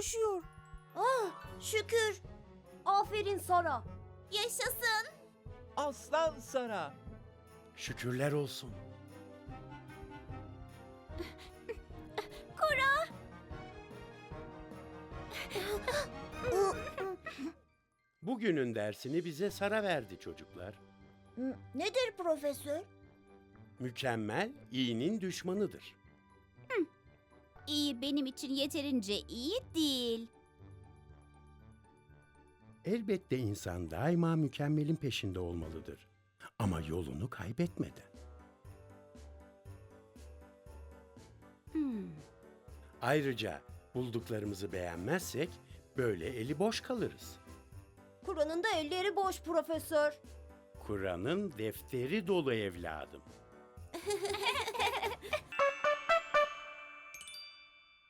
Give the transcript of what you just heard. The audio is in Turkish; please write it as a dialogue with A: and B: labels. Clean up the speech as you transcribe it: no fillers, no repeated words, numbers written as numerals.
A: koşuyor.
B: Ah, şükür.
A: Aferin Sara.
B: Yaşasın.
C: Aslan Sara.
D: Şükürler olsun. Bugünün dersini bize Sara verdi çocuklar.
B: Nedir profesör?
D: Mükemmel, iyinin düşmanıdır.
E: İyi benim için yeterince iyi değil.
D: Elbette insan daima mükemmelin peşinde olmalıdır. Ama yolunu kaybetmeden. Ayrıca bulduklarımızı beğenmezsek böyle eli boş kalırız.
A: Kur'an'ın da elleri boş profesör.
D: Kur'an'ın defteri dolu evladım.